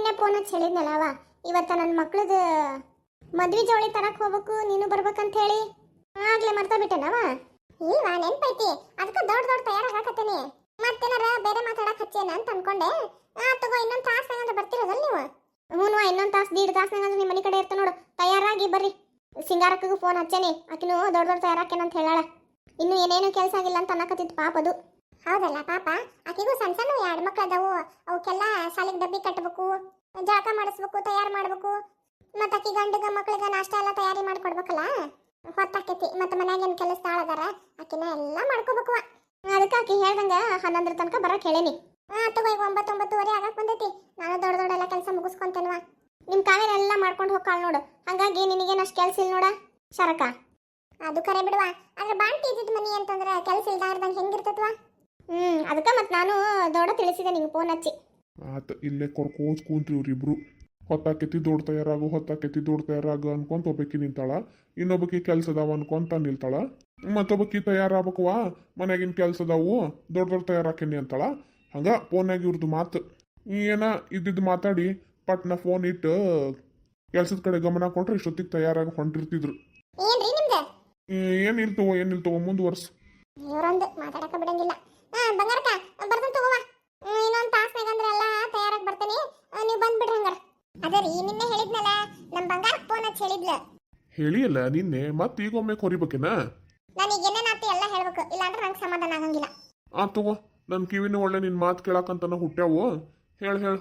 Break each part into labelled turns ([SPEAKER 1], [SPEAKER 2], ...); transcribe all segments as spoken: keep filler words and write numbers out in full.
[SPEAKER 1] ನಿನ್ನೆ ಫೋನ್ ಹಚ್ಚಿ ಹೇಳಿದ್ನಲ್ಲವ ಇವತ್ತ ನನ್ನ ಮಕ್ಳದ ಮದ್ವಿ ಜವಳಿ ತರಕ್ ಹೋಗ್ಬೇಕು ನೀನು ಬರ್ಬೇಕಂತ ಹೇಳಿ ಆಗ್ಲೇ ಮರ್ತಾ ಬಿಟ್ಟೆನವ. ಇಲ್ವಾ ನೆನ್ಪೈತಿ, ಅದಕ್ಕೆ ದೊಡ್ಡ ದೊಡ್ಡ ತಯಾರಾಗಕತ್ತೇನಿ. ಮತ್ತೇನಾರ ಬೇರೆ ಮಾತಾಡಕ್ ಹಚ್ಚೇನ ಅಂತ ಅನ್ಕೊಂಡೆ. ಆ ತಗೋ ಇನ್ನೊಂದ್ ತಾಸ್ನಾಗಂದ್ರೆ ಬರ್ತಿರೋದಲ್ಲ ನೀವು? ಹ್ಞೂ ಇನ್ನೊಂದ್ ತಾಸ್ ದೀಡ್ ತಾಸ್ನಾಗಂದ್ರೆ ನಿಮ್ಮ ಮನೆ ಕಡೆ ಇರ್ತ ನೋಡು. ತಯಾರಾಗಿ ಬರ್ರಿ. ಸಿಂಗಾರಕ್ಕೂ ಫೋನ್ ಹಚ್ಚೇನಿ, ಆಕಿನೂ ದೊಡ್ಡ ದೊಡ್ಡ ತಯಾರಾಕೇನಂತ ಹೇಳಾಳ. ಇನ್ನು ಏನೇನು ಕೆಲಸ ಆಗಿಲ್ಲ ಅಂತ ಅನ್ನಕತ್ತಿತ್ತು ಪಾಪ ಅದು. ಹೌದಲ್ಲ ಪಾಪ, ಆಕಿಗೂ ಸಣ್ಣ ಸಣ್ಣ ಎರಡು ಮಕ್ಳು ಅದಾವು. ಅವಕ್ಕೆಲ್ಲ ಶಾಲೆಗೆ ಡಬ್ಬಿ ಕಟ್ಟಬೇಕು, ಜಾಕ ಮಾಡಿಸ್ಬೇಕು, ತಯಾರು ಮಾಡ್ಬೇಕು. ಮತ್ತೆ ಆಕಿ ಗಂಡಗ ಮಕ್ಳಿಗೆ ನಾಷ್ಟ ಎಲ್ಲ ತಯಾರಿ ಮಾಡ್ಕೊಡ್ಬೇಕಲ್ಲ, ಹೊತ್ತಾಕೈತಿ. ಮತ್ತೆ ಮನ್ಯಾಗೇನು ಕೆಲಸದಾಳ ಅದಾರ, ಆಕಿನ ಎಲ್ಲ ಮಾಡ್ಕೋಬೇಕು. ಅದಕ್ಕೆ ಆಕಿ ಹೇಳ್ದಂಗ ಹನ್ನೊಂದರ ತನಕ ಬರಕ್ಕೆ ಹೇಳೇನಿ. ಹಾ ತಗೋ, ಈಗ ಒಂಬತ್ತು ಒಂಬತ್ತುವರೆ ಆಗಕ್ಕೆ ಬಂದೈತಿ. ನಾನು ದೊಡ್ಡ ದೊಡ್ಡ ಎಲ್ಲ ಕೆಲಸ ಮುಗಿಸ್ಕೊಂತೇನವ. ನಿಮ್ಮ ಕಾವೇರಿ ಎಲ್ಲ ಮಾಡ್ಕೊಂಡು ಹೋಗ್ಕಾಳ ನೋಡು, ಹಂಗಾಗಿ ನಿನಗೇನು ಅಷ್ಟು ಕೆಲಸ ಇಲ್ಲ ನೋಡ ಶರಕ. ಅದು ಕರೆ ಬಿಡುವ, ಆದ್ರೆ ಬಾಂಟಿ ಇದ್ದಿದ್ದು ಮನಿ ಅಂತಂದ್ರೆ ಕೆಲಸ ಇಲ್ದಾರ್ದಂಗೆ ಹೆಂಗಿರ್ತತ್ವ? ಹ್ಞೂ ಅದಕ್ಕೆ ಮತ್ತೆ ನಾನು ದೊಡ್ಡ ತಿಳಿಸಿದೆ ನಿಂಗೆ ಫೋನ್ ಹಚ್ಚಿ.
[SPEAKER 2] ಆತ ಇಲ್ಲೇ ಕೊರ್ಕೋಸ್ ಕೂತ್ರಿ ಇವ್ರಿಬ್ರು. ಹೊತ್ತಾಕೆತ್ತಿ ದೊಡ್ಡ ತಯಾರಾಗು, ಹೊತ್ತಾಕೆತ್ತಿ ದೊಡ್ಡ ತಯಾರಾಗು ಅನ್ಕೊಂತ ಒಬ್ಬಾಕಿ ನಿಂತಾಳ, ಇನ್ನೊಬ್ಬಕಿ ಕೆಲ್ಸ ಅದಾವ ಅನ್ಕೊಂತ ನಿಲ್ತಾಳ. ಮತ್ತೊಬ್ಬಕಿ ತಯಾರಾಗಬೇಕವಾ, ಮನ್ಯಾಗಿನ ಕೆಲ್ಸ ಅದಾವು, ದೊಡ್ಡ ದೊಡ್ಡ ತಯಾರಾಕೇನಿ ಅಂತಾಳ. ಹಂಗ ಫೋನ್ಯಾಗ ಇವ್ರದ್ದು ಮಾತು ಏನ ಇದ್ದಿದ್ದು ಮಾತಾಡಿ ಪಟ್ನ ಫೋನ್ ಇಟ್ಟು ಕೆಲ್ಸದ ಕಡೆ ಗಮನ ಕೊಟ್ರೆ ಇಷ್ಟೊತ್ತಿಗೆ ತಯಾರಾಗಿ ಹೊಂಟಿರ್ತಿದ್ರು.
[SPEAKER 1] ಏನ್ರಿ ನಿಮ್ದು?
[SPEAKER 2] ಏನ್ ಇಲ್ತವ ಏನ್ ಇಲ್ತವ ಮುಂದುವರ್ಸ್.
[SPEAKER 1] ಇವರೊಂದು ಮಾತಾಡಕ ಬಿಡಂಗಿಲ್ಲ. ಹಾ ಬಂಗಾರಕ್ಕ ಬರ್ತಾನೆ ತಗೋವಾ. ಇನ್ನೊಂದು ತಾಸ್ನಾಗ ಅಂದ್ರೆ ಎಲ್ಲ ತಯಾರಾಗಿ ಬರ್ತೇನೆ, ನೀವು ಬಂದ್ಬಿಡ್ರಿ ಹಂಗಾರ. ಅದೇ ರೀ ನಿನ್ನೆ ಹೇಳಿದ್ನಲ್ಲ, ನಮ್ಮ ಬಂಗಾರಕ್ಕೆ ಫೋನ್ ಹಚ್ಚಿ ಹೇಳಿದ್ಲ.
[SPEAKER 2] ಹೇಳಿಯಲ್ಲ ನಿನ್ನೆ, ಮತ್ತೆ ಈಗ ಒಮ್ಮೆ ಕೊರಿಬೇಕೇನ?
[SPEAKER 1] ನನಗೆ ಏನೇನಾತಿ ಎಲ್ಲ ಹೇಳ್ಬೇಕು, ಇಲ್ಲಾಂದ್ರೆ ನಂಗೆ ಸಮಾಧಾನ ಆಗಂಗಿಲ್ಲ.
[SPEAKER 2] ಆ ತಗೋ, ನನ್ನ ಕಿವಿನ ಒಳ್ಳೆ ನಿನ್ ಮಾತು ಕೇಳಕ್ಕಂತನ ಹುಟ್ಟ್ಯಾವು. ಹೇಳ ಹೇಳ.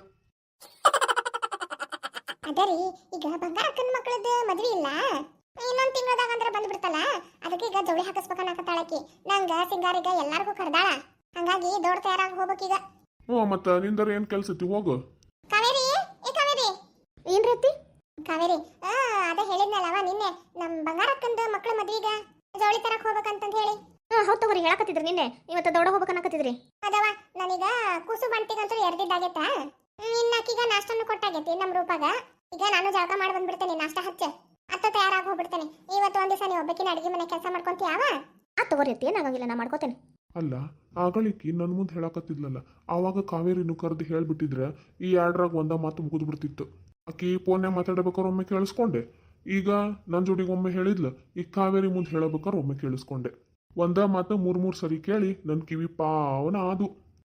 [SPEAKER 1] ಅದೇ ರೀ, ಈಗ ಬಂಗಾರಕ್ಕನ ಮಕ್ಕಳದ್ದು ಮದ್ವೆ ಇಲ್ಲ, ಇನ್ನೊಂದು ತಿಂಗಳದಾಗ ಅಂದ್ರೆ ಬಂದ್ಬಿಡ್ತಲ್ಲ. ಅದಕ್ಕೆ ಈಗ ಜವಳಿ ಹಾಕಿಸ್ಬೇಕನ್ನಕತ್ತಾಳಕಿ. ನಂಗ ಸಿಂಗಾರಿಗ ಎಲ್ಲಾರ್ಗೂ ಕರ್ದಾಳ, ಹಂಗಾಗಿ ದೊಡ್ಡ ತಯಾರಾಗಿ ಹೋಗ್ಬೇಕೀಗ.
[SPEAKER 2] ಹ್ಞೂ ಮತ್ತ ನಿಂದರ ಏನ್ ಕೆಲ್ಸ ಐತಿ ಹೋಗು.
[SPEAKER 1] ಕಾವೇರಿ, ಏ ಕಾವೇರಿ. ಏನ್ ರೀತಿ ಕಾವೇರಿ? ಆ ಅದೇ ಹೇಳಿದ್ನಲ್ಲವ ನಿನ್ನೆ, ನಮ್ಮ ಬಂಗಾರಕ್ಕಂದು ಮಕ್ಕಳ ಮದ್ವಿಗ ಜವಳಿ ತರಕ್ ಹೋಗ್ಬೇಕಂತಂದು ಹೇಳಿ. ಹಾ ಹೌದು ತಗೋರಿ, ಹೇಳಕತ್ತಿದ್ರಿ ನಿನ್ನೆ ಇವತ್ತು ದೊಡ್ಡ ಹೋಗ್ಬೇಕನ್ನಕತ್ತಿದ್ರಿ. ಅದವ ನಾನೀಗ ಕೂಸು ಬಂಟಿಗಂತೂ ಎರ್ದಿದ್ದಾಗೈತಾ, ಇನ್ನಕ್ಕೀಗ ನಾಷ್ಟನ್ನು ಕೊಟ್ಟಾಗೈತಿ ನಮ್ಮ ರೂಪಾಗ. ಈಗ ನಾನು ಜಾಗ ಮಾಡಿ ಬಂದ್ಬಿಡ್ತೇನೆ, ನಾಷ್ಟ ಹಚ್ಚ ಅತ್ತ ತಯಾರಾಗಿ ಹೋಗ್ಬಿಡ್ತೇನೆ. ಇವತ್ತು ಒಂದ್ ದಿವಸ ನೀವು ಒಬ್ಬಕಿನ ಅಡಿಗೆ ಮನೆ ಕೆಲಸ ಮಾಡ್ಕೊಂತೀಯಾವ? ಆ ತಗೋರಿ, ಏನಾಗಂಗಿಲ್ಲ, ನಾ ಮಾಡ್ಕೋತೇನೆ.
[SPEAKER 2] ಅಲ್ಲ ಆಗಳಿಕಿ ನನ್ನ ಮುಂದೆ ಹೇಳಕತ್ತಿದ್ಲಲ್ಲ, ಆವಾಗ ಕಾವೇರಿನು ಕರೆದು ಹೇಳ್ಬಿಟ್ಟಿದ್ರೆ ಈ ಎರಡ್ರಾಗ ಒಂದ ಮಾತು ಮುಗಿದು ಬಿಡ್ತಿತ್ತು. ಆಕಿ ಫೋನ್ಯಾಗ ಮಾತಾಡ್ಬೇಕಾದ್ರೆ ಒಮ್ಮೆ ಕೇಳಿಸ್ಕೊಂಡೆ, ಈಗ ನನ್ನ ಜೋಡಿಗೆ ಒಮ್ಮೆ ಹೇಳಿದ್ಲ, ಈಗ ಕಾವೇರಿ ಮುಂದೆ ಹೇಳಬೇಕಾದ್ರೆ ಒಮ್ಮೆ ಕೇಳಿಸ್ಕೊಂಡೆ. ಒಂದ ಮಾತು ಮೂರ್ ಮೂರ್ ಸರಿ ಕೇಳಿ ನನ್ನ ಕಿವಿ ಪಾವನ ಆದು.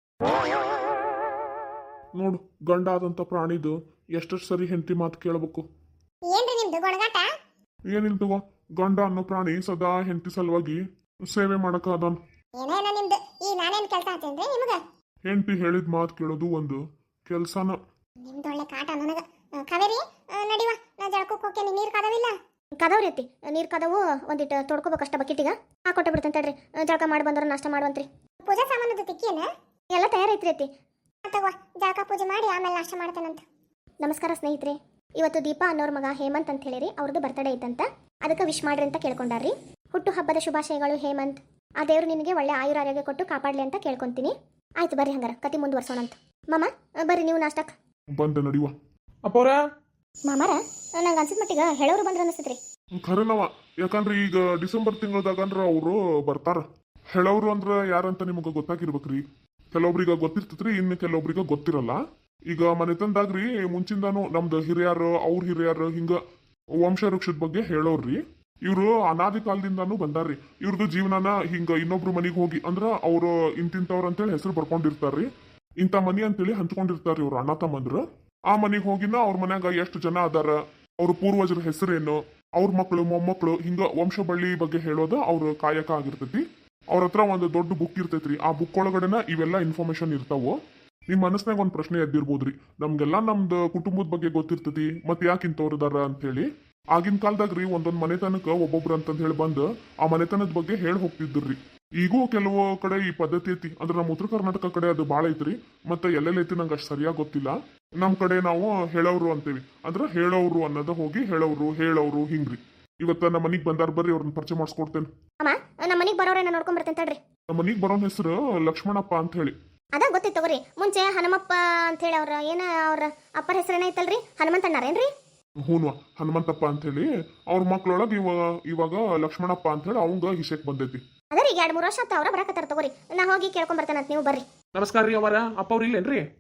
[SPEAKER 2] ನೋಡು, ಗಂಡ ಆದಂತ ಪ್ರಾಣಿದು ಎಷ್ಟೆಷ್ಟು ಸರಿ ಹೆಂಡತಿ ಮಾತು ಕೇಳಬೇಕು.
[SPEAKER 1] ಏನ್ರಿ ನಿಮ್ದು ಗೊಣಗಾಟ?
[SPEAKER 2] ಏನಿಲ್ ತಗೋ, ಗಂಡ ಅನ್ನೋ ಪ್ರಾಣಿ ಸದಾ ಹೆಂಡತಿ ಸಲುವಾಗಿ ಸೇವೆ ಮಾಡಕ ಅದಾನ.
[SPEAKER 1] ಏನೇನ ನಿಮ್ದು? ಈ ನಾನೇನ್ ಕೆಲಸ ಹಚ್ಚೇನ್ರಿ ನಿಮಗ?
[SPEAKER 2] ಹೆಂಡತಿ ಹೇಳಿದ ಮಾತು ಕೇಳೋದು ಒಂದು ಕೆಲ್ಸನ.
[SPEAKER 1] ನಿಮ್ದು ಒಳ್ಳೆ ಕಾಟ ನನಗ. ಕಾವೇರಿ ನಡಿವ, ನಾ ಜಳಕಕ್ಕೆ ಹೋಗ್ತೇನೆ. ನೀರ್ ಕದವಿಲ್ಲ? ಕದವ್ರಿ ಅತ್ತಿ, ನೀರ್ ಕದವು ಒಂದಿಟ್ಟು ತೊಡ್ಕೋಬೇಕಷ್ಟ ಬಕೆಟಿಗ. ಹಾ ಕೊಟ್ಟ ಬಿಡ್ತೇನೆ ತಡ್ರಿ, ಜಳಕ ಮಾಡಿ ಬಂದ್ರ ನಾಷ್ಟ ಮಾಡುವಂತ್ರಿ. ಪೂಜಾ ಸಾಮಾನದ ತಿಕ್ಕಿಯೇನ? ಎಲ್ಲ ತಯಾರೈತ್ರಿ ಅತ್ತಿ. ತಗೋ, ಜಳಕ ಪೂಜೆ ಮಾಡಿ ಆಮೇಲೆ ನಾಷ್ಟ ಮಾಡ್ತೇನಂತ. ನಮಸ್ಕಾರ ಸ್ನೇಹಿತರೆ, ಇವತ್ತು ದೀಪಾ ಅನ್ನೋರ್ ಮಗ ಹೇಮಂತ್ ಅಂತ ಹೇಳಿರಿ, ಅವ್ರದ್ದು ಬರ್ತಡೇ ಐತಂತ, ಅದಕ್ಕೆ ವಿಶ್ ಮಾಡ್ರಿ ಅಂತ ಕೇಳ್ಕೊಂಡಾರ್ರಿ. ಹುಟ್ಟು ಹಬ್ಬದ ಶುಭಾಶಯಗಳು ಹೇಮಂತ್. ಆ ದೇವ್ರು ನಿನಗೆ ಒಳ್ಳೆ ಆಯುರ ಆರೋಗ್ಯ ಕೊಟ್ಟು ಕಾಪಾಡ್ಲಿ ಅಂತ ಕೇಳ್ಕೊಂತೀನಿ. ಆಯ್ತು ಬರ್ರಿ ಹಂಗಾರ ಕತಿ ಮುಂದುವರ್ಸೋಣಂತ. ಮಾಮ ಬರ್ರಿ ನೀವು ನಾಷ್ಟಕ್ಕೆ.
[SPEAKER 2] ಬಂದ ನಡಿವ.
[SPEAKER 3] ಅಪ್ಪವ್ರ
[SPEAKER 1] ಮಾಮಾರ ನಂಗೆ ಅನ್ಸಿದ ಮಟ್ಟಿಗೆ ಹೇಳೋರು ಬಂದ್ರೆ ಅನಿಸ್ತೈತ್ರಿ.
[SPEAKER 2] ಖರೇನವ, ಯಾಕಂದ್ರೆ ಈಗ ಡಿಸೆಂಬರ್ ತಿಂಗಳದಾಗಂದ್ರ ಅವರು ಬರ್ತಾರ. ಹೇಳೋರು ಅಂದ್ರ ಯಾರಂತ ನಿಮಗೆ ಗೊತ್ತಾಗಿರ್ಬೇಕ್ರಿ. ಕೆಲವೊಬ್ರಿಗೆ ಗೊತ್ತಿರ್ತೈತ್ರಿ, ಇನ್ನು ಕೆಲವೊಬ್ರಿಗೆ ಗೊತ್ತಿರಲ್ಲ. ಈಗ ಮನೆತನದಾಗ್ರಿ ಮುಂಚಿಂದಾನು ನಮ್ದು ಹಿರಿಯರು, ಅವ್ರ ಹಿರಿಯರು, ಹಿಂಗ ವಂಶ ವೃಕ್ಷದ ಬಗ್ಗೆ ಹೇಳೋರ್ರಿ. ಇವ್ರು ಅನಾದಿ ಕಾಲದಿಂದಾನು ಬಂದಾರ್ರಿ. ಇವ್ರದ್ದು ಜೀವನನ ಹಿಂಗ ಇನ್ನೊಬ್ರು ಮನಿಗೆ ಹೋಗಿ ಅಂದ್ರ ಅವ್ರು ಇಂತಿಂತವ್ರ ಅಂತೇಳಿ ಹೆಸರು ಬರ್ಕೊಂಡಿರ್ತಾರ್ರಿ. ಇಂಥ ಮನಿ ಅಂತೇಳಿ ಹಂಚ್ಕೊಂಡಿರ್ತಾರ್ರಿ ಇವ್ರು ಅಣ್ಣ ತಮ್ಮಂದ್ರು. ಆ ಮನಿಗೆ ಹೋಗಿನ ಅವ್ರ ಮನ್ಯಾಗ ಎಷ್ಟು ಜನ ಅದಾರ, ಅವ್ರ ಪೂರ್ವಜರ ಹೆಸರೇನು, ಅವ್ರ ಮಕ್ಕಳು ಮೊಮ್ಮಕ್ಕಳು, ಹಿಂಗ ವಂಶ ಬಳ್ಳಿ ಬಗ್ಗೆ ಹೇಳೋದು ಅವ್ರ ಕಾಯಕ ಆಗಿರ್ತೈತಿ. ಅವ್ರ ಹತ್ರ ಒಂದು ದೊಡ್ಡ ಬುಕ್ ಇರ್ತೈತ್ರಿ. ಆ ಬುಕ್ ಒಳಗಡೆನ ಇವೆಲ್ಲ ಇನ್ಫಾರ್ಮೇಶನ್ ಇರ್ತಾವು. ನಿಮ್ ಮನಸ್ನಾಗ ಒಂದ್ ಪ್ರಶ್ನೆ ಎದ್ದಿರ್ಬೋದ್ರಿ, ನಮ್ಗೆಲ್ಲಾ ನಮ್ದು ಕುಟುಂಬದ ಬಗ್ಗೆ ಗೊತ್ತಿರ್ತೈತಿ, ಮತ್ ಯಾಕೆ ಇಂಥವ್ರದಾರ ಅಂತ ಹೇಳಿ. ಆಗಿನ ಕಾಲದಾಗ್ರಿ ಒಂದೊಂದ್ ಮನೆತನಕ ಒಬ್ಬೊಬ್ರು ಅಂತಂದ್ ಹೇಳಿ ಬಂದು ಆ ಮನೆತನದ ಬಗ್ಗೆ ಹೇಳಿ ಹೋಗ್ತಿದ್ರಿ. ಈಗೂ ಕೆಲವು ಕಡೆ ಈ ಪದ್ಧತಿ ಐತಿ, ಅಂದ್ರೆ ನಮ್ಮ ಉತ್ತರ ಕರ್ನಾಟಕ ಕಡೆ ಅದು ಬಾಳ ಐತ್ರಿ. ಮತ್ತೆ ಎಲ್ಲೆಲ್ಲ ಐತಿ ನಂಗೆ ಅಷ್ಟು ಸರಿಯಾಗಿ ಗೊತ್ತಿಲ್ಲ. ನಮ್ ಕಡೆ ನಾವು ಹೇಳೋರು ಅಂತೀವಿ, ಅಂದ್ರೆ ಹೇಳೋರು ಅನ್ನೋದ ಹೋಗಿ ಹೇಳೋರು ಹೇಳೋರು ಹಿಂಗ್ರಿ. ಇವತ್ತ ನಮ್ಮ ಮನಿಗ್ ಬಂದಾರ, ಬರ್ರಿ ಅವ್ರನ್ನ ಪರಿಚಯ ಮಾಡಿಸ್ಕೊಡ್ತೇನೆ.
[SPEAKER 1] ಅಮ್ಮ ನಮ್ಮ ಮನಿಗೆ ಬರೋರೇನ ನೋಡ್ಕೊಂಡ್ ಬರ್ತೇನೆ ತಡ್ರಿ.
[SPEAKER 2] ನಮ್ಮ ಮನಿಗ್ ಬರೋನ್ ಹೆಸರು ಲಕ್ಷ್ಮಣಪ್ಪ ಅಂತ ಹೇಳಿ.
[SPEAKER 1] ಅದ ಗೊತ್ತಿತ್ತು ತಗೋರಿ, ಮುಂಚೆ ಹನುಮಪ್ಪ ಅಂತ ಹೇಳಿ ಅವ್ರ ಏನ ಅವ್ರ ಅಪ್ಪರ ಹೆಸರೇನ ಐತಲ್ರಿ, ಹನುಮಂತಣ್ಣರೇನ್ರಿ?
[SPEAKER 2] ಹೂನ್ವಾ, ಹನುಮಂತಪ್ಪ ಅಂತ ಹೇಳಿ. ಅವ್ರ ಮಕ್ಳೊಳಗ ಇವಾಗ ಇವಾಗ ಲಕ್ಷ್ಮಣಪ್ಪ ಅಂತ ಹೇಳಿ ಅವಂಗ ಹಿಸೆಕ್ ಬಂದೈತಿ.
[SPEAKER 1] ಅದೇ ರೀ, ಎರಡು ಮೂರು ವರ್ಷ ಆತ ಅವ್ರ ಬರಾಕತ್ತಾರ ತಗೋರಿ, ನಾ ಹೋಗಿ ಕೇಳ್ಕೊಂಡ್ ಬರ್ತೇನೆ ಅಂತ, ನೀವು ಬರ್ರಿ.
[SPEAKER 3] ನಮಸ್ಕಾರ ರೀ ಅವರ. ಅಪ್ಪ ಅವ್ರ ಇಲ್ಲೇನ್ರಿ?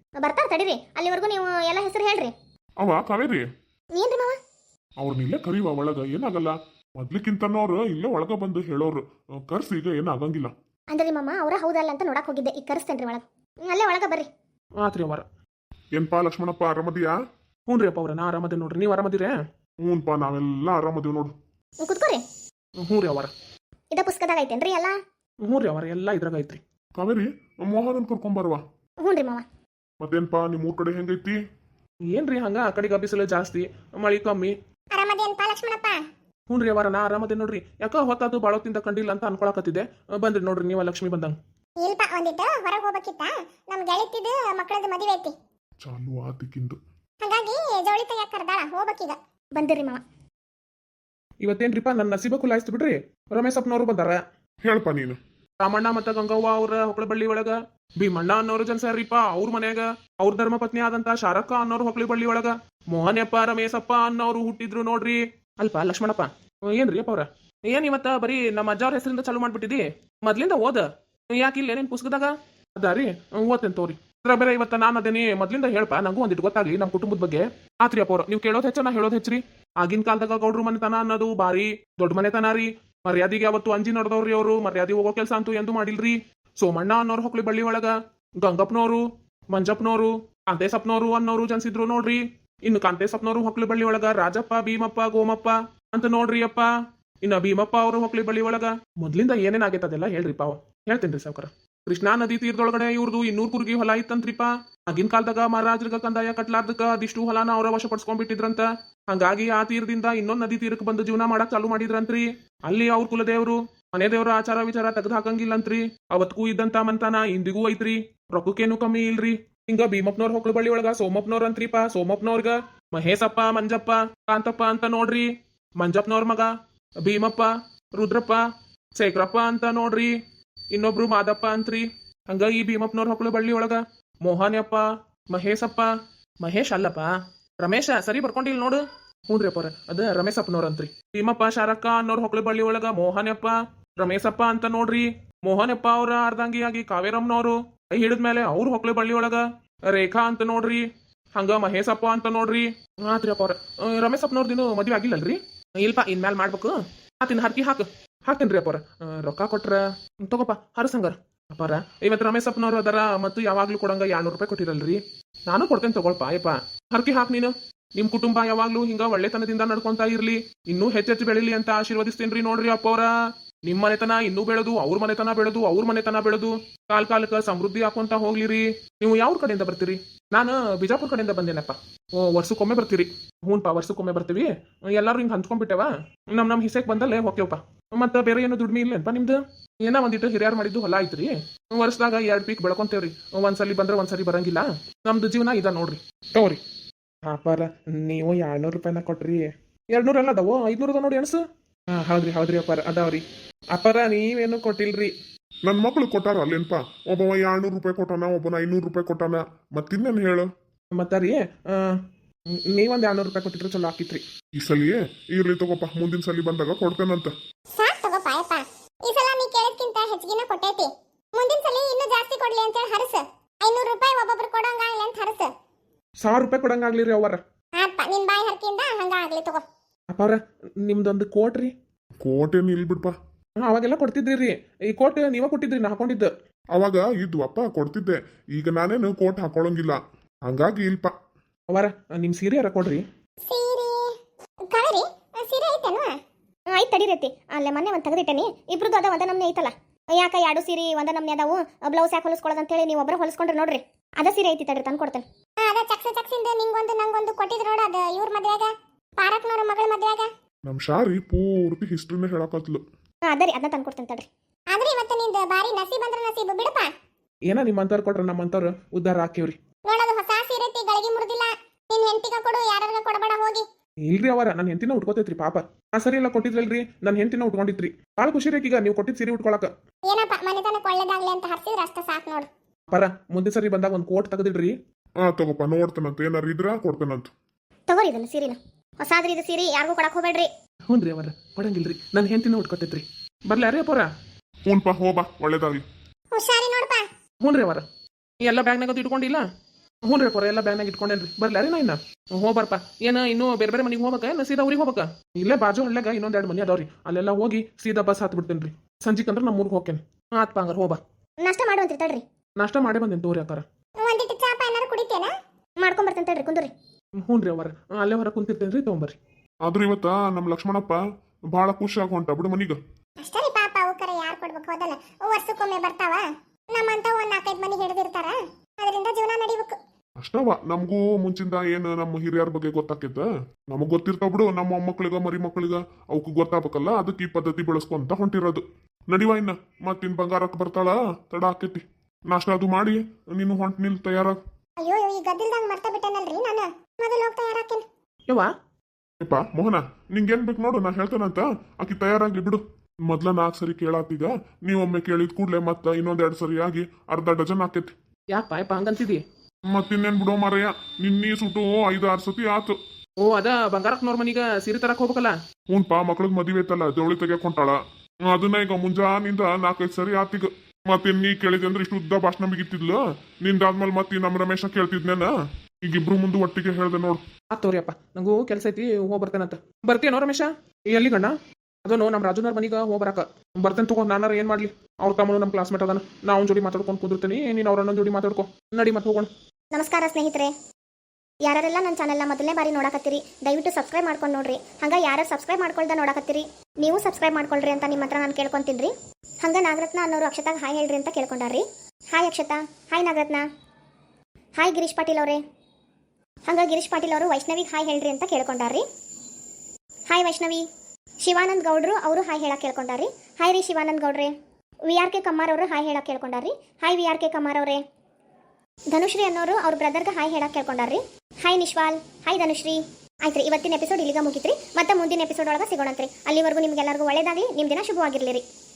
[SPEAKER 1] ಬರ್ತಾರ ತಡೀರಿ, ಅಲ್ಲಿವರೆಗೂ ನೀವು ಎಲ್ಲ ಹೆಸರು ಹೇಳ್ರಿ.
[SPEAKER 2] ಅವ ಕಾವೇರಿ
[SPEAKER 1] ಏನ್ರಿ ಮಾವ?
[SPEAKER 2] ಅವ್ರನ್ನ ಇಲ್ಲೇ ಕರೀವ ಒಳಗ, ಏನಾಗಲ್ಲ. ಮೊದ್ಲಿಕ್ಕಿಂತನವ್ರು ಇಲ್ಲೇ ಒಳಗ ಬಂದು ಹೇಳೋರು, ಕರ್ಸಿ ಈಗ ಏನು ಆಗಂಗಿಲ್ಲ.
[SPEAKER 1] ಅಂದ್ರಿ ಮಾಮ, ಅವರ ಹೌದಲ್ಲ ಅಂತ ನೋಡಕ್ ಹೋಗಿದ್ದೆ, ಈಗ ಕರೆಸ್ತೇನ್ರಿ ಒಳಗೆ. ಅಲ್ಲೇ ಒಳಗ ಬರ್ರಿ.
[SPEAKER 3] ಆತ್ರಿ ಅವರ.
[SPEAKER 2] ಏನ್ಪಾ ಲಕ್ಷ್ಮಣಪ್ಪ, ಆರಾಮದಿಯಾ?
[SPEAKER 3] ಹ್ಞೂ ರೀ ಅಪ್ಪ ಅವ್ರ, ನಾ ಆರಾಮದೇ ನೋಡ್ರಿ, ನೀವು ಆರಾಮದಿರೇ?
[SPEAKER 2] ಹ್ಞೂನ್ಪಾ, ನಾವೆಲ್ಲ ಆರಾಮದೀವಿ ನೋಡು.
[SPEAKER 1] ಕುತ್ಕೋರಿ.
[SPEAKER 3] ಹ್ಞೂ ರೀ ಅವರ.
[SPEAKER 1] ಇದ ಪುಸ್ತಕದಾಗ ಐತೇನ್ರಿ ಎಲ್ಲ?
[SPEAKER 3] ಹ್ಞೂ ರೀ ಅವರ, ಎಲ್ಲ ಇದ್ರಾಗ ಐತ್ರಿ.
[SPEAKER 2] ಕಾವೇರಿ, ಮೋಹನನ್ ಕರ್ಕೊಂಬರ್ವ.
[SPEAKER 1] ಹ್ಞೂ ರೀ ಮಾವ.
[SPEAKER 2] ಮತ್ತೇನ್ಪಾ ನಿಮ್ ಊರ್ ಕಡೆ ಹೆಂಗೈತಿ?
[SPEAKER 3] ಏನ್ರಿ ಹಂಗ ಆ ಕಡೆಗೆ ಬಿಸಿಲು ಜಾಸ್ತಿ, ಮಳಿ ಕಮ್ಮಿ.
[SPEAKER 1] ಆರಾಮದೇನ್ಪಾ ಲಕ್ಷ್ಮಣಪ್ಪ?
[SPEAKER 3] ಹ್ಞೂ ರೀ ಅವರ, ನಾ ಆರಾಮದೇ ನೋಡ್ರಿ. ಯಾಕೋ ಹೊತ್ತಾದು ಬಾಳೋತ್ತಿಂದ ಕಂಡಿಲ್ಲ ಅಂತ ಅನ್ಕೊಳಕತ್ತಿದ್ದೆ. ಬಂದ್ರಿ ನೋಡ್ರಿ ನೀವು ಲಕ್ಷ್ಮಿ ಬಂದಂಗ.
[SPEAKER 1] ಇಲ್ಪ ಒಂದಿಟ್ಟು ಹೊರಗೆ ಹೋಗ್ಬೇಕಿತ್ತ, ನಮ್ ಗೆಳತಿದ ಮಕ್ಕಳದ ಮದುವೆ ಐತಿ.
[SPEAKER 2] ಚಾಲು ಆತಿಕ್ಕಿಂದು.
[SPEAKER 1] ಹಾಗಾಗಿ ಜವಳಿ ತೆಗಿಯಾಕ ಕರ್ದಾಳ, ಹೋಗ್ಬೇಕೀಗ. ಬಂದಿರಿ ಮಾವ.
[SPEAKER 3] ಇವತ್ತೇನ್ರಿಪ್ಪ ನನ್ನ ನಸೀಬ ಕುಲಾಯಿಸ್ತು ಬಿಡ್ರಿ. ರಮೇಶಪ್ಪನವರು ಬಂದಾರ.
[SPEAKER 2] ಹೇಳ್ಪ ನೀನು.
[SPEAKER 3] ರಾಮಣ್ಣ ಮತ್ತ ಗಂಗವ್ವ ಅವ್ರ ಹೊಕ್ಕಳಬಳ್ಳಿ ಒಳಗ, ಭೀಮಣ್ಣ ಅನ್ನೋರು ಜನ್ಸಾರ್ರಿಪ್ಪ ಅವ್ರ ಮನ್ಯಾಗ. ಅವ್ರ ಧರ್ಮ ಪತ್ನಿ ಆದಂತ ಶಾರಕ್ಕ ಅನ್ನೋರು ಹೊಕ್ಕಳಿ ಬಳ್ಳಿ ಒಳಗ. ಮೋಹನ್ಯಪ್ಪ ರಮೇಶಪ್ಪ ಅನ್ನೋರು ಹುಟ್ಟಿದ್ರು ನೋಡ್ರಿ. ಅಲ್ಪ ಲಕ್ಷ್ಮಣಪ್ಪ, ಏನ್ರಿ ಅಪ್ಪ ಅವ್ರ, ಏನ್ ಇವತ್ತ ಬರೀ ನಮ್ಮ ಅಜ್ಜವ್ರ ಹೆಸರಿಂದ ಚಾಲು ಮಾಡ್ಬಿಟ್ಟಿದಿ? ಮೊದ್ಲಿಂದ ಓದ, ಯಾಕಿಲ್ಲ ಏನೇನ್ ಪುಸ್ತಕದಾಗ ಅದಾರಿ? ಓದ್ತೇನೆ ತೋರಿ. ಅದ್ರ ಬೇರೆ ಇವತ್ತ ನಾನು ಅದೇನಿ ಮೊದ್ಲಿಂದ ಹೇಳ್ಪ, ನಂಗೂ ಒಂದಿಟ್ಟು ಗೊತ್ತಾಗ್ಲಿ ನಮ್ಮ ಕುಟುಂಬದ ಬಗ್ಗೆ. ಆತ್ರಿ ಅಪ್ಪ ಅವ್ರ, ನೀವು ಕೇಳೋದ್ ಹೆಚ್ಚ, ನಾ ಹೇಳೋದ್ ಹೆಚ್ಚ್ರಿ. ಆಗಿನ ಕಾಲದಾಗ ಗೌಡ್ರು ಮನೆತನ ಅನ್ನೋದು ಬಾರಿ ದೊಡ್ಡ ಮನೆತನ ರೀ. ಮರ್ಯಾದಿಗೆ ಅವತ್ತು ಅಂಜಿ ನೋಡ್ದವ್ರಿ ಅವರು. ಮರ್ಯಾದೆ ಹೋಗೋ ಕೆಲಸ ಅಂತೂ ಎಂದೂ ಮಾಡಿಲ್ರಿ. ಸೋಮಣ್ಣ ಅನ್ನೋರು ಹೊಕ್ಕಳಿ ಬಳ್ಳಿ ಒಳಗ, ಗಂಗಪ್ಪನವರು, ಮಂಜಪ್ಪನವರು, ಕಾಂತೇಸಪ್ಪನವರು ಅನ್ನೋರು ಜನ್ಸಿದ್ರು ನೋಡ್ರಿ. ಇನ್ನು ಕಾಂತೇಸಪ್ಪನವರು ಹೊಕ್ಕಳಿ ಬಳ್ಳಿ ಒಳಗ ರಾಜಪ್ಪ, ಭೀಮಪ್ಪ, ಗೋಮಪ್ಪ ಅಂತ ನೋಡ್ರಿ ಅಪ್ಪ. ಇನ್ನ ಭೀಮಪ್ಪ ಅವರು ಹೊಕ್ಕಳಿ ಬಳ್ಳಿ ಒಳಗ. ಮೊದ್ಲಿಂದ ಏನೇನ್ ಆಗೈತದೆಲ್ಲ ಹೇಳ್ರಿ ಪಾವ, ಹೇಳ್ತೇನ್ರಿ ಸಾವ್ಕಾರ. ಕೃಷ್ಣಾ ನದಿ ತೀರದೊಳಗಡೆ ಇವ್ರದು ಇನ್ನೂರ್ ಕುರ್ಗಿ ಹೊಲ ಇತ್ತಂತ್ರಿಪ್ಪ. ಆಗಿನ ಕಾಲದಾಗ ಮಹಾರಾಜರಿಗ ಕಂದಾಯ ಕಟ್ಲಾರ್ದಕ್ಕ ಅದಿಷ್ಟು ಹೊಲಾನ ಅವರ ವಶಪಡಿಸ್ಕೊಂಡ್ಬಿಟ್ಟಿದ್ರಂತ. ಹಂಗಾಗಿ ಆ ತೀರದಿಂದ ಇನ್ನೊಂದ್ ನದಿ ತೀರಕ್ಕೆ ಬಂದು ಜೀವನ ಮಾಡಕ್ ಚಾಲು ಮಾಡಿದ್ರಂತ್ರಿ. ಅಲ್ಲಿ ಅವ್ರ ಕುಲದೇವ್ರು ಮನೆ ದೇವ್ರ ಆಚಾರ ವಿಚಾರ ತೆಗ್ದು ಹಾಕಂಗಿಲ್ಲಂತ್ರಿ. ಅವತ್ಗೂ ಇದ್ದಂತ ಮಂತಾನ ಇಂದಿಗೂ ಐತ್ರಿ. ರೊಕ್ಕಕ್ಕೇನು ಕಮ್ಮಿ ಇಲ್ರಿ. ಹಿಂಗ ಭೀಮಪ್ಪನವ್ರ ಹೊಕ್ಕಳು ಬಳ್ಳಿ ಒಳಗ ಸೋಮಪ್ಪನವ್ರ ಅಂತ್ರಿಪ. ಸೋಮಪ್ಪನವ್ರಗ ಮಹೇಶಪ್ಪ, ಮಂಜಪ್ಪ, ಕಾಂತಪ್ಪ ಅಂತ ನೋಡ್ರಿ. ಮಂಜಪ್ಪನವ್ರ ಮಗ ಭೀಮಪ್ಪ, ರುದ್ರಪ್ಪ, ಶೇಖರಪ್ಪ ಅಂತ ನೋಡ್ರಿ. ಇನ್ನೊಬ್ರು ಮಾದಪ್ಪ ಅಂತ್ರಿ. ಹಂಗ ಈ ಭೀಮಪ್ಪನವ್ರ ಹೊಕ್ಕಳು ಬಳ್ಳಿ ಒಳಗ ಮೋಹನ್ಯಪ್ಪ, ಮಹೇಶಪ್ಪ, ಮಹೇಶ್ ಅಲ್ಲಪ್ಪ ರಮೇಶ, ಸರಿ ಬರ್ಕೊಂಡಿಲ್ ನೋಡು. ಹ್ಞೂನ್ರಿ ಅಪ್ಪವ್ರ, ಅದ ರಮೇಶಪ್ಪನವ್ರ ಅಂತ್ರಿ. ಭೀಮಪ್ಪ, ಶಾರಕ್ಕ ಅನ್ನೋರ್ ಹೊಕ್ಕಳು ಬಳ್ಳಿ ಒಳಗ ಮೋಹನ್ಯಪ್ಪ, ರಮೇಶಪ್ಪ ಅಂತ ನೋಡ್ರಿ. ಮೋಹನಪ್ಪ ಅವ್ರ ಅರ್ಧಂಗಿಯಾಗಿ ಕಾವೇರಮ್ಮನವರು. ಕೈ ಹಿಡಿದ್ಮೇಲೆ ಅವ್ರ ಹೊಕ್ಕಳು ಬಳ್ಳಿ ಒಳಗ ರೇಖಾ ಅಂತ ನೋಡ್ರಿ. ಹಂಗ ಮಹೇಶಪ್ಪ ಅಂತ ನೋಡ್ರಿ. ಆತ್ರಿ ಅಪ್ಪವ್ರ, ರಮೇಶಪ್ಪನವ್ರದಿನ್ನು ಮದ್ವೆ ಆಗಿಲ್ಲಲ್ರಿ? ಇಲ್ಪ ಇನ್ಮ್ಯಾಲ ಮಾಡ್ಬೇಕು. ಆತಿನ ಹರ್ಕಿ ಹಾಕು. ಹಾಕ್ತೇನ್ರಿ ಅಪ್ಪವ್ರ. ರೊಕ್ಕ ಕೊಟ್ರ ತಗೋಪ ಹರಸಂಗಾರ. ಅಪ್ಪಾರ, ಇವತ್ತು ರಮೇಶಪ್ಪನವ್ರು ಅದರ ಮತ್ತು ಯಾವಾಗ್ಲೂ ಕೊಡಂಗ ಎರಡ್ನೂರು ರೂಪಾಯಿ ಕೊಟ್ಟಿರಲ್ರಿ. ನಾನು ಕೊಡ್ತೇನೆ ತಗೊಳ್ಪ. ಅಯ್ಯಪ್ಪ ಹರ್ಕಿ ಹಾಕ್ ನೀನು. ನಿಮ್ ಕುಟುಂಬ ಯಾವಾಗ್ಲೂ ಹಿಂಗ ಒಳ್ಳೆತನದಿಂದ ನಡ್ಕೊಂತ ಇರ್ಲಿ, ಇನ್ನೂ ಹೆಚ್ಚೆಚ್ಚು ಬೆಳಿಲಿ ಅಂತ ಆಶೀರ್ವದಿಸ್ತೇನ್ರಿ ನೋಡ್ರಿ ಅಪ್ಪವ್ರ. ನಿಮ್ ಮನೆತನ ಇನ್ನೂ ಬೆಳೆದು, ಅವ್ರ ಮನೆತನ ಬೆಳೆದು, ಅವ್ರ ಮನೆತನ ಬೆಳೆದು ಕಾಲ್ ಕಾಲಕ್ಕ ಸಮೃದ್ಧಿ ಹಾಕೊಂತ ಹೋಗ್ಲಿರಿ. ನೀವು ಯಾವ ಕಡೆಯಿಂದ ಬರ್ತೀರಿ? ನಾನು ಬಿಜಾಪುರ ಕಡೆಯಿಂದ ಬಂದೇನಪ್ಪ. ಓ, ವರ್ಷಕ್ಕೊಮ್ಮೆ ಬರ್ತೀರಿ? ಹ್ಞೂನ್ಪಾ, ವರ್ಷಕ್ಕೊಮ್ಮೆ ಬರ್ತೀವಿ. ಎಲ್ಲಾರು ಹಿಂಗೆ ಹಂಚ್ಕೊಂಡ್ಬಿಟ್ಟೆವ. ನಮ್ ನಮ್ ಹಿಸೆಕ್ ಬಂದಲ್ಲೇ ಹೋಗ್ಯವಪ್ಪ. ಮತ್ತೆ ಬೇರೆ ಏನು ದುಡ್ಮಿ ಇಲ್ಲೇನ್ಪ ನಿಮ್ದು? ಏನೋ ಒಂದಿಟ್ಟು ಹಿರಿಯರ್ ಮಾಡಿದ್ದು ಹೊಲ ಐತ್ರಿ. ವರ್ಷದಾಗ ಎರಡ್ ಪೀಕ್ ಬೆಳ್ಕೊಂತೇವ್ರಿ. ಒಂದ್ಸಲಿ ಬಂದ್ರೆ ಒಂದ್ಸಲಿ ಬರಂಗಿಲ್ಲ. ನಮ್ದು ಜೀವನ ಇದ ನೋಡ್ರಿ. ತಗೋರಿ. ಅಪ್ಪಾರ, ನೀವು ಎರಡ್ನೂರು ರೂಪಾಯಿನ ಕೊಟ್ರಿ. ಎರಡ್ನೂರ ಎಲ್ಲ ಅದಾವು, ಐದ್ನೂರ ನೋಡಿ ಅನ್ಸು. ಹಾ, ಹೌದ್ರಿ ಹೌದ್ರಿ ಅಪ್ಪಾರ, ಅದಾವ್ರಿ. ಅಪ್ಪಾರ, ನೀವೇನು ಕೊಟ್ಟಿಲ್ರಿ.
[SPEAKER 2] ನನ್ ಮಕ್ಳು ಕೊಟ್ಟಾರ ಅಲ್ಲೇನ್ಪ. ಒಬ್ಬವ ಎರಡ್ನೂರು ರೂಪಾಯಿ ಕೊಟ್ಟಾನ, ಒಬ್ಬನ ಐನೂರು ರೂಪಾಯಿ ಕೊಟ್ಟಾನ. ಮತ್ತಿನ್ನೇನು ಹೇಳು?
[SPEAKER 3] ಮತ್ತ ರೀ, ನೀವೊಂದ್ ಎರಡ್ನೂರು ರೂಪಾಯಿ ಕೊಟ್ಟಿದ್ರೆ ಚಲೋ ಆಕಿತ್ರಿ.
[SPEAKER 2] ಈ ಸಲಿಯೇ ಇರ್ಲಿ ತಗೋಪ, ಮುಂದಿನ ಸಲಿ ಬಂದಾಗ ಕೊಡ್ತೇನಂತ.
[SPEAKER 1] ಸಾಕ್ ತಗೋಪ್ಪ ಅಯ್ಯಪ್ಪ. ಈ ಸಲ ನೀ ಕೇಳಿದ್ಕಿಂತ ಹೆಚ್ಚಿಗೆನ ಕೊಟ್ಟೈತಿ. ಮುಂದಿನ ಸಲ ಇನ್ನೂ ಜಾಸ್ತಿ ಕೊಡ್ಲಿ ಅಂತೇಳಿ ಹರಸ. ಐನೂರು ರೂಪಾಯಿ ಒಬ್ಬೊಬ್ರು ಕೊಡೋಂಗ ಇಲ್ಲ ಅಂತ ಹರಸ.
[SPEAKER 3] ಸಾವಿರ ರೂಪಾಯಿ ಕೊಡಂಗಾಗ್ಲಿರಿ ಅವರ.
[SPEAKER 1] ಆತ್ಪ, ನಿನ್ ಬಾಯಿ ಹರ್ಕಿಂದ ಹಂಗ ಆಗ್ಲಿ ತಗೋ.
[SPEAKER 3] ಅಪ್ಪಾರ, ನಿಮ್ದೊಂದು ಕೋಟ್ ರೀ.
[SPEAKER 2] ಕೋಟೇನು ಇಲ್ ಬಿಡ್ಪ.
[SPEAKER 3] ಅವಾಗೆಲ್ಲ ಕೊಡ್ತಿದ್ರಿ ರೀ. ಈ ಕೋಟ್ ನೀವ ಕೊಟ್ಟಿದ್ರಿ, ನಾ ಹಾಕೊಂಡಿದ್ದ.
[SPEAKER 2] ಅವಾಗ ಇದ್ವಪ್ಪ, ಕೊಡ್ತಿದ್ದೆ. ಈಗ ನಾನೇನು ಕೋಟ್ ಹಾಕೊಳಂಗಿಲ್ಲ, ಹಂಗಾಗಿ ಇಲ್ಪ.
[SPEAKER 3] ಅವರ, ನಿಮ್ ಸೀರೆ ಯಾರ ಕೊಡ್ರಿ.
[SPEAKER 1] ಸೀರೆ ಕಾವೇರಿ, ಸೀರೆ ಐತೇನು? ಆಯ್ತು ತಡೀರೈತಿ. ಅಲ್ಲೇ ಮೊನ್ನೆ ಒಂದು ತೆಗೆದಿಟ್ಟೇನಿ. ಇಬ್ರದ್ದು ಅದ ಒಂದ ನಮ್ನೆ ಐತಲ್ಲ. ಯಾಕ ಎರಡು ಸೀರೆ ಒಂದ ನಮ್ನೆ ಅದಾವು. ಬ್ಲೌಸ್ ಯಾಕೆ ಹೊಲಿಸ್ಕೊಳ್ಳೋದು ಅಂತೇಳಿ ನೀವು ಒಬ್ಬರು ಹೊಲಿಸ್ಕೊಂಡ್ರೆ ನೋಡ್ರಿ. ಅದ ಸೀರೆ ಐತಿ, ತಡ್ರಿ ತಂದು ಕೊಡ್ತೇನೆ. ಅದ ಚಕ್ಸ ಚಕ್ಸಿಂದ ನಿಂಗೊಂದು ನಂಗೊಂದು ಕೊಟ್ಟಿದ್ರು ನೋಡ. ಅದ ಇವ್ರ ಮದ್ವೆಯಾಗ, ಪಾರಕ್ನವ್ರ ಮಗಳ ಮದ್ವೆಯಾಗ.
[SPEAKER 2] ನಮ್ ಶಾರಿ ಪೂರ್ತಿ ಹಿಸ್ಟ್ರಿನ ಹೇಳಕತ್ಲು.
[SPEAKER 1] ಅದರಿ, ಅದನ್ನ ತಂದು ಕೊಡ್ತೇನೆ ತಡ್ರಿ. ಆದ್ರೆ ಇವತ್ತು ನಿಂದ ಬಾರಿ ನಸೀಬ್ ಅಂದ್ರೆ ನಸೀಬ್ ಬಿಡಪ್ಪ.
[SPEAKER 3] ಏನ ನಿಮ್ಮಂತವ್ರು ಕೊಟ್ರ ನಮ್ಮಂತವ್ರು ಉದ್ದಾರ ಹಾಕಿವ್ರಿ.
[SPEAKER 1] ನೋಡೋದು ಹೊಸ ಸೀರೆ ಐತಿ, ಗಳಿಗೆ ಮುರಿದಿಲ್ಲ. ನಿನ್ ಹೆಂಡತಿಗ ಕೊಡು, ಯಾರಾಗ ಕೊಡಬೇಡ ಹೋಗಿ.
[SPEAKER 3] ಇಲ್ರಿ ಅವರ, ನನ್ನ ಹೆಂಡತಿನ ಉಟ್ಕೋತೈತ್ರಿ ಪಾಪ. ಆ ಸರಿ ಎಲ್ಲ ಕೊಟ್ಟಿದ್ರಲ್ರಿ, ನನ್ನ ಹೆಂಡತಿನ ಉಟ್ಕೊಂಡಿತ್ರಿ. ಭಾಳ ಖುಷಿ ರೀ ಈಗ ನೀವು ಕೊಟ್ಟಿದ್ ಸೀರೆ ಉಟ್ಕೊಳಕ.
[SPEAKER 1] ಏನಪ್ಪ, ಮನೆತನಕ್ಕೆ ಒಳ್ಳೇದಾಗ್ಲಿ ಅಂತ ಹರ್ಸಿದ್ರ ಅಷ್ಟ ಸಾಕು ನೋಡು.
[SPEAKER 3] ಪರ, ಮುಂದಿನ ಸರಿ ಬಂದಾಗ ಒಂದು ಕೋಟ್ ತೆಗೆದಿಡ್ರಿ.
[SPEAKER 2] ಹಾ ತಗೋಪ, ನೋಡ್ತೇನಂತ. ಏನಾರ ಇದ್ರ ಕೊಡ್ತೇನಂತ.
[SPEAKER 1] ತಗೋರಿ ಇದನ್ನ ಸೀರೆನ. ಹೊಸಾದ್ರಿ ಇದು ಸೀರೆ, ಯಾರಿಗೂ ಕೊಡಕ್ ಹೋಗ್ಬೇಡ್ರಿ.
[SPEAKER 3] ಹ್ಞೂನ್ರಿ ಅವರ, ಕೊಡಂಗಿಲ್ರಿ. ನನ್ನ ಹೆಂಡತಿನ ಉಟ್ಕೋತೈತ್ರಿ. ಬರ್ಲ್ಯಾರಿ ಅಪ್ಪರ?
[SPEAKER 2] ಹ್ಞೂನ್ಪ, ಹೋಬಾ, ಒಳ್ಳೇದಾಗ್ಲಿ.
[SPEAKER 1] ಹುಷಾರಿ ನೋಡ್ಪ.
[SPEAKER 3] ಹ್ಞೂನ್ರಿ ಅವರ. ಎಲ್ಲ ಬ್ಯಾಗ್ನಾಗ ಇಟ್ಕೊಂಡಿಲ್ಲ? ಹ್ಞೂ ರೀ ಕೊರ ಎಲ್ಲ ಬ್ಯಾಗ್ನಾಗ ಇಟ್ಕೊಂಡೇನ್ರಿ ಬರ್ಲಾ ರೀ ನಾ ಇನ್ನ ಹ್ಞೂ ಬರ್ಪ ಏನು ಇನ್ನೂ ಬೇರೆ ಬೇರೆ ಮನೆಗೆ ಹೋಗ್ಬೇಕಾ ಏನು ಸೀದಾ ಊರಿಗೆ ಹೋಗ್ಬೇಕಾ ಇಲ್ಲೇ ಬಾಜು ಹಳ್ಳ್ಯಾಗ ಇನ್ನೊಂದ್ ಎರಡು ಮನೆ ಅದಾವ್ರಿ ಅಲ್ಲೆಲ್ಲ ಹೋಗಿ ಸೀದಾ ಬಸ್ ಹತ್ ಬಿಡ್ತೇನ್ರಿ ಸಂಜಿಕ್ ಅಂದ್ರೆ ನಮ್ಮ ಊರಿಗೆ ಹೋಗ್ತೇನೆ ಆತ್ಪ ಹಂಗಾರ ಹೋಗ್ಬಾ
[SPEAKER 1] ನಾಷ್ಟ ಮಾಡುವಂತ್ರಿ ತಡ್ರಿ.
[SPEAKER 3] ನಾಷ್ಟ ಮಾಡೇ ಬಂದೇನಿ ತೋರಿ ಅಕ್ಕಾರ
[SPEAKER 1] ಒಂದಿಟ್ಟು ಚಾಪ ಏನಾರು ಕುಡಿತೇನ ಮಾಡ್ಕೊಂಡ್ ಬರ್ತೇನೆ ತಡ್ರಿ ಕುಂದ್ರಿ.
[SPEAKER 3] ಹ್ಞೂ ರೀ ಅವರ ಅಲ್ಲೇ ಹೊರ ಕುಂತಿರ್ತೇನ್ರಿ ತೊಗೊಂಬರ್ರಿ
[SPEAKER 2] ಆದ್ರೂ ಇವತ್ತ ನಮ್ಮ ಲಕ್ಷ್ಮಣಪ್ಪ ಬಹಳ ಖುಷಿ ಆಗ ಹೊಂಟ ಬಿಡು ಮನಿಗ.
[SPEAKER 1] ಅಷ್ಟೇ ರೀ ಪಾಪ ಅವಕರ ಯಾರು ಕೊಡ್ಬೇಕು ಹೋದಲ್ಲ ವರ್ಷಕ್ಕೊಮ್ಮೆ ಬರ್ತಾವ ನಮ್ಮಂತ ಒಂದ್ ನಾಲ್ಕೈದು ಮನಿ ಹಿಡಿದಿರ್ತಾರ ಅದರಿಂದ ಜೀವನ ನಡಿಬೇಕು.
[SPEAKER 2] ಅಷ್ಟವ ನಮಗೂ ಮುಂಚಿಂದ ಏನು ನಮ್ಮ ಹಿರಿಯರ ಬಗ್ಗೆ ಗೊತ್ತಾಕೈತ ನಮಗ್ ಗೊತ್ತಿರ್ತಾವ ಬಿಡು. ನಮ್ಮ ಮೊಮ್ಮಕ್ಳಿಗ ಮರಿ ಮಕ್ಳಿಗ ಅವಕ್ಕೆ ಗೊತ್ತಾಗಬೇಕಲ್ಲ, ಅದಕ್ಕೆ ಈ ಪದ್ಧತಿ ಬೆಳೆಸ್ಕೊಂತ ಹೊಂಟಿರೋದು. ನಡಿವ ಇನ್ನ ಮತ್ತಿನ್ ಬಂಗಾರಕ್ಕೆ ಬರ್ತಾಳ, ತಡ ಆಕೈತಿ. ನಾಷ್ಟ ಅದು ಮಾಡಿ ನೀನು ಹೊಂಟ ನಿಲ್ ತಯಾರಾಗ.
[SPEAKER 1] ಅಯ್ಯೋ ಈ ಗದ್ದಲ್ದಾಗ ಮರ್ತ ಬಿಟ್ಟೆನಲ್ರಿ ನಾನು ಮೊದಲು ಹೋಗ್ತಾ ಯಾರಾಕೇನ್.
[SPEAKER 3] ಯವ್ವ
[SPEAKER 2] ಯಪ್ಪ ಮೋಹನ ನಿಂಗೇನ್ ಬೇಕು ನೋಡು, ನಾ ಹೇಳ್ತೇನಂತ ಆಕಿ ತಯಾರಾಗ್ಲಿ ಬಿಡು. ಮೊದ್ಲ ನಾಲ್ಕು ಸರಿ ಕೇಳಾತೀಗ, ನೀವೊಮ್ಮೆ ಕೇಳಿದ ಕೂಡ್ಲೆ ಮತ್ತ ಇನ್ನೊಂದೆರಡು ಸರಿ ಆಗಿ ಅರ್ಧ ಡಜನ್ ಆಕೈತಿ.
[SPEAKER 3] ಯಾಕೆ ಪಾಯಪ್ಪ ಹಂಗಂತಿದಿ?
[SPEAKER 2] ಮತ್ತಿನ್ನೇನ್ ಬಿಡೋ ಮಾರಯ್ಯ, ನಿನ್ನೀ ಸುಟ್ಟು ಐದು ಆರು ಸತಿ ಆತು.
[SPEAKER 3] ಓ ಅದ ಬಂಗಾರಕ್ನವ್ರ ಮನೀಗ ಸೀರೆ ತರಕ್ ಹೋಗ್ಬೇಕಲ್ಲ.
[SPEAKER 2] ಹ್ಞೂನ್ಪ ಮಕ್ಳಿಗೆ ಮದುವೆ ಐತಲ್ಲ, ಜವಳಿ ತೆಗಿಯಕ್ ಹೊಂಟಾಳ. ಅದನ್ನ ಈಗ ಮುಂಜಾನಿಂದ ನಾಲ್ಕೈದು ಸರಿ ಆತೀಗ. ಮತ್ತಿನ್ ನೀ ಕೇಳಿದೆ ಅಂದ್ರೆ ಇಷ್ಟು ಉದ್ದ ಭಾಷಣ ಬಿಗಿತ್ತಿದ್ಲು. ನಿಂದಾದ್ಮೇಲೆ ಮತ್ತೆ ನಮ್ಮ ರಮೇಶ ಕೇಳ್ತಿದ್ನೇನ, ಈಗ ಇಬ್ರು ಮುಂದೆ ಒಟ್ಟಿಗೆ ಹೇಳ್ದೆ ನೋಡು.
[SPEAKER 3] ಆತೋರಿ ಅಪ್ಪ ನಂಗೂ ಕೆಲಸ ಐತಿ ಹೋಗಿ ಬರ್ತೇನಂತ. ಬರ್ತೀನೋ ರಮೇಶ? ಎಲ್ಲಿ ಗಣ್ಣ? ಅದನ್ನು ನಮ್ಮ ರಾಜುನವ್ರ ಮನೀಗ ಹೋಗಿ ಬರಾಕ ಬರ್ತೇನೆ ತಗೋ. ನಾನಾರ ಏನ್ ಮಾಡ್ಲಿ, ಅವ್ರ ತಮ್ಮನು ನಮ್ಮ ಕ್ಲಾಸ್ಮೇಟ್ ಅದಾನ, ನಾ ಅವ್ನ ಜೋಡಿ ಮಾತಾಡ್ಕೊಂಡು ಕುದಿರ್ತೀನಿ, ನೀನು ಅವ್ರ ಅಣ್ಣನ ಜೋಡಿ ಮಾತಾಡ್ಕೊ. ನಡಿ ಮತ್ತೆ ಹೋಗೋಣ.
[SPEAKER 1] ನಮಸ್ಕಾರ ಸ್ನೇಹಿತರೆ, ಯಾರೆಲ್ಲ ನನ್ನ ಚಾನೆಲ್ನ ಮೊದಲನೇ ಬಾರಿ ನೋಡಕತ್ತೀರಿ ದಯವಿಟ್ಟು ಸಬ್ಸ್ಕ್ರೈಬ್ ಮಾಡ್ಕೊಂಡು ನೋಡ್ರಿ. ಹಂಗ ಯಾರು ಸಬ್ಸ್ಕ್ರೈಬ್ ಮಾಡ್ಕೊಳ್ದ ನೋಡಕತ್ತೀರಿ ನೀವು ಸಬ್ಸ್ಕ್ರೈಬ್ ಮಾಡ್ಕೊಳ್ರಿ ಅಂತ ನಿಮ್ಮ ಹತ್ರ ನಾನು ಕೇಳ್ಕೊಂತೀನಿ. ಹಂಗ ನಾಗರತ್ನ ಅನ್ನೋರು ಅಕ್ಷತಾಗ ಹಾಯ್ ಹೇಳ್ರಿ ಅಂತ ಕೇಳ್ಕೊಂಡಾರ್ರಿ. Hi Akshata. Hi Nagaratna. Hi Girish Patil ಅವರೇ. ಹಂಗ ಗಿರೀಶ್ ಪಾಟೀಲ್ ಅವರು ವೈಷ್ಣವಿಗೆ ಹಾಯ್ ಹೇಳ್ರಿ ಅಂತ ಕೇಳ್ಕೊಂಡಾರ್ರಿ. ಹಾಯ್ ವೈಷ್ಣವಿ. ಶಿವಾನಂದ್ ಗೌಡ್ರು ಅವರು ಹಾಯ್ ಹೇಳಕ್ ಕೇಳ್ಕೊಂಡಾರ್ರಿ. ಹಾಯ್ ರೀ ಶಿವಾನಂದ್ ಗೌಡ್ರೆ. ವಿ ಆರ್ ಕೆ ಕಮ್ಮಾರ್ ಅವರು ಹಾಯ್ ಹೇಳಕ್ ಕೇಳ್ಕೊಂಡಾರ್ರಿ. Hi V R K Kammar ಅವರೇ. ಧನುಶ್ರೀ ಅನ್ನೋರು ಅವ್ರ ಬ್ರದರ್ಗೆ ಹಾಯ್ ಹೇಳಕ್ ಕೇಳ್ಕೊಂಡಾರ್ರಿ. ಹಾಯ್ ನಿಶ್ವಾಲ್. ಹಾಯ್ ಧನುಶ್ರೀ. ಆಯ್ತ್ರಿ, ಇವತ್ತಿನ ಎಪಿಸೋಡ್ ಇಲ್ಲಿಗ ಮುಗಿತ್ರಿ. ಮತ್ತೆ ಮುಂದಿನ ಎಪಿಸೋಡ್ ಒಳಗೆ ಸಿಗೋಣಂತ್ರಿ. ಅಲ್ಲಿವರೆಗೂ ನಿಮ್ಗೆಲ್ಲರಿಗೂ ಒಳ್ಳೇದಾಗ್ಲಿ, ನಿಮ್ಮ ದಿನ ಶುಭವಾಗಿರ್ಲಿ ರೀ.